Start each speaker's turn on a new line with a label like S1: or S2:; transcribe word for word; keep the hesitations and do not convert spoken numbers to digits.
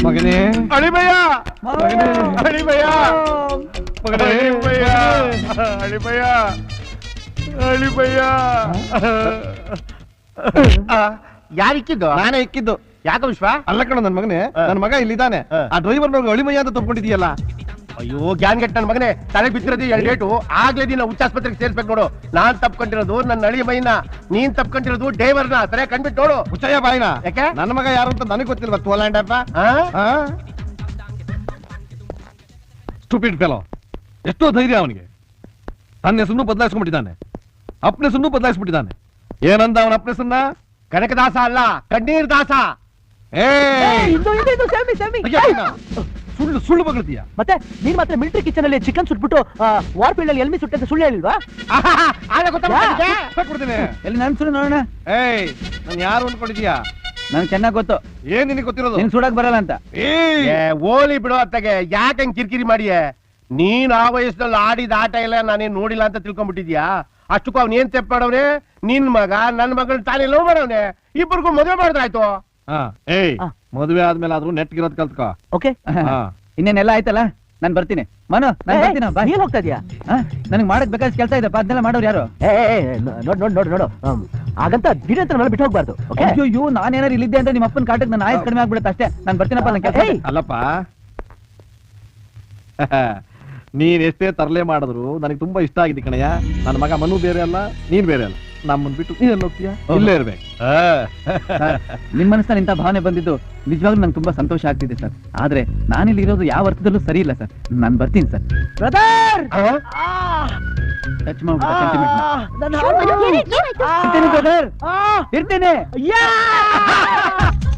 S1: ಮಗನೇ
S2: ಅಳಿಮಯ್ಯ
S1: ಮಗನೇ
S2: ಅಳಿಮಯ್ಯ
S1: ಮಗನೇ
S2: ಅಳಿಮಯ್ಯ ಅಳಿಮಯ್ಯ ಅಳಿಮಯ್ಯ ಯಾರಿಕ್ಕಿದ್ದು?
S1: ನಾನೇ ಇಕ್ಕಿದ್ದು.
S2: ಯಾಕ ವಿಶ್ವ?
S1: ಅಲ್ಲ ಕಣ ನನ್ ಮಗನೇ, ನನ್ ಮಗ ಇಲ್ಲಿದ್ದಾನೆ. ಆ ಡ್ರೈವರ್ ಅಳಿಮಯ್ಯ ಅಂತ ತಪ್ಕೊಂಡಿದೀಯಲ್ಲ.
S2: ಅಯ್ಯೋ ಗ್ಯಾನ್ ಗೆಟ್ ನನ್ ಮಗನೇ, ತಲೆಗೆ ಬಿದ್ದಿರೋದು ಎರಡು ಡೇಟು. ಆಗ್ಲೇ ನೀನು ಹುಚ್ಚಾಸ್ಪತ್ರೆಗೆ ಸೇರ್ಸ್ಬೇಕು ನೋಡು. ನಾನ್ ತಪ್ಕೊಂಡಿರೋದು ನನ್ನ ಅಳಿಮಯ್ಯನ, ನೀನ್ ತಪ್ಕೊಂಡಿರೋದು ಡ್ರೈವರ್ನ. ಸರಿಯಾಗಿ ಕಂಡ್ಬಿಟ್ಟು ನೋಡು.
S1: ಮುಚ್ಚಯ್ಯ ಬಾಯಿನ.
S2: ಯಾಕೆ?
S1: ನನ್ನ ಮಗ ಯಾರು ಅಂತ ನನಗೆ ಗೊತ್ತಿಲ್ವಾ? ತೋಲಾಂಡಪ್ಪ ಸ್ಟೂಪಿಡ್ ಫೆಲೋ. ಎಷ್ಟೋ ಧೈರ್ಯ ಅವನಿಗೆ. ತನ್ನ ಹೆಸರನ್ನು ಬದಲಾಯಿಸ್ಕೊಂಡ್ಬಿಟ್ಟಿದ್ದಾನೆ, ಅಪ್ಪನ ಹೆಸರನ್ನು ಬದಲಾಯಿಸ್ಬಿಟ್ಟಿದ್ದಾನೆ. ಏನಂದ ಅವನ ಅಪ್ಪನ ಹೆಸರನ್ನ?
S2: ಕನಕದಾಸ ಅಲ್ಲ, ಕಣ್ಣೀರ್ ದಾಸ.
S1: ಸುಳ್ಳು ಸುಳ್ಳು ಬಗ್ಳತೀಯ.
S3: ಮತ್ತೆ ನೀನ್ ಮಾತ್ರ ಮಿಲಿಟರಿ ಕಿಚನ್ ಅಲ್ಲಿ ಚಿಕನ್ ಸುಟ್ಬಿಟ್ಟು ವಾರ್ ಫೀಲ್ಡ್ ಅಲ್ಲಿ ಎಲ್ಮಿ ಸುಟ್ಟಂತ ಸುಳ್ಳು ಹೇಳಿಲ್ವಾ?
S1: ಎಲ್ಲಿ ನನ್ ಸುಳ್ಳು ನೋಡೋಣ. ಏಯ್ ನಾನು ಯಾರು ಅನ್ಕೊಂಡಿದ್ಯಾ?
S3: ನನ್ ಚೆನ್ನಾಗ್ ಗೊತ್ತು.
S1: ಏನ್ ನಿನಗೆ ಗೊತ್ತಿರೋದು?
S3: ನಿನ್ ಸುಡಕ್ ಬರಲ್ಲ ಅಂತ.
S2: ಓಲಿ ಬಿಡು ಅತ್ತಗೆ, ಯಾಕೆ ಹಂಗ್ ಕಿರಿಕಿರಿ ಮಾಡಿಯೇ? ನೀನ್ ಆ ವಯಸ್ಸಲ್ಲಿ ಆಡಿದ ಆಟ ಎಲ್ಲ ನಾನೇನ್ ನೋಡಿಲ್ಲ ಅಂತ ತಿಳ್ಕೊಂಡ್ಬಿಟ್ಟಿದ್ಯಾ? ಅಷ್ಟಕ್ಕೂ ಅವ್ನ ಏನ್ ತೆಪ್ಪ ಮಾಡವ್ನೆ? ನಿನ್ ಮಗ ನನ್ ಮಗಳ್ ತಾನೇ ಲವ್ ಮಾಡವ್ನೆ. ಇಬ್ಬರಿಗೂ ಮದುವೆ ಮಾಡಿದ್ರಾಯ್ತು.
S1: ಏಯ್ ಮದುವೆ ಆದ್ಮೇಲೆ ಆದ್ರೂ ನೆಟ್ಗಿರೋದ್ ಕಲ್ತ್ಕೋ.
S3: ಓಕೆ, ಇನ್ನೇನೆಲ್ಲ ಆಯ್ತಲ್ಲ, ನಾನ್ ಬರ್ತೀನಿ. ಮನು, ನಾನ್ ಬರ್ತೀನಿ. ನೀನ್ ಹೋಗ್ತಾ ಇದೀಯಾ? ನನಗೆ ಮಾಡಕ್ ಬೇಕಾದ ಕೆಲಸ ಇದೆ, ಅದನ್ನೆಲ್ಲ ಮಾಡೋರು ಯಾರು? ನೋಡ್ ನೋಡ್ ನೋಡ್ ನೋಡು, ಹಾಗಂತ ದಿಢೀರ್ ಅಂತ ಬಿಟ್ಟು ಹೋಗ್ಬಾರ್ದು. ಅಯ್ಯೋ, ನಾನೇನಾರು ಇಲ್ಲಿದ್ದೆ ಅಂತ ನಿಮ್ಮ ಅಪ್ಪನ ಕಾಟಕ್ಕೆ ನನ್ನ ಆಯಸ್ ಕಡಿಮೆ ಆಗ್ಬಿಡುತ್ತೆ ಅಷ್ಟೇ. ನಾನ್ ಬರ್ತೀನಪ್ಪ. ನನ್ ಕೆಲಸ
S1: ಅಲ್ಲಪ್ಪ, ನೀನ್ ಎಷ್ಟೇ ತರಲೆ ಮಾಡಿದ್ರು ನನಗೆ ತುಂಬಾ ಇಷ್ಟ ಆಗಿದೆ ಕಣಯ್ಯ. ನನ್ನ ಮಗ ಮನು ಬೇರೆ ಅಲ್ಲ, ನೀನ್ ಬೇರೆ ಅಲ್ಲ. ನಮ್ಮನ್ ಬಿಟ್ಟು ನೀನ್ ಎಲ್ಲಿ ಹೋಗ್ತೀಯಾ? ಇಲ್ಲೇ ಇರ್ಬೇಕು.
S3: ನಿಮ್ ಮನಸ್ಸಲ್ಲಿ ಇಂಥ ಭಾವನೆ ಬಂದಿದ್ದು ನಿಜವಾಗ್ಲೂ ನಂಗೆ ತುಂಬಾ ಸಂತೋಷ ಆಗ್ತಿದೆ ಸರ್. ಆದ್ರೆ ನಾನಿಲ್ಲಿ ಇರೋದು ಯಾವ ಅರ್ಥದಲ್ಲೂ ಸರಿ ಇಲ್ಲ ಸರ್. ನಾನ್ ಬರ್ತೀನಿ ಸರ್. ಬ್ರದರ್, ಟಚ್ ಮಾಡ್ಬಿಟ್ಟು ಸೆಂಟಿಮೆಂಟ್. ಇರ್ತೀನಿ ಬ್ರದರ್, ಇರ್ತೀನಿ.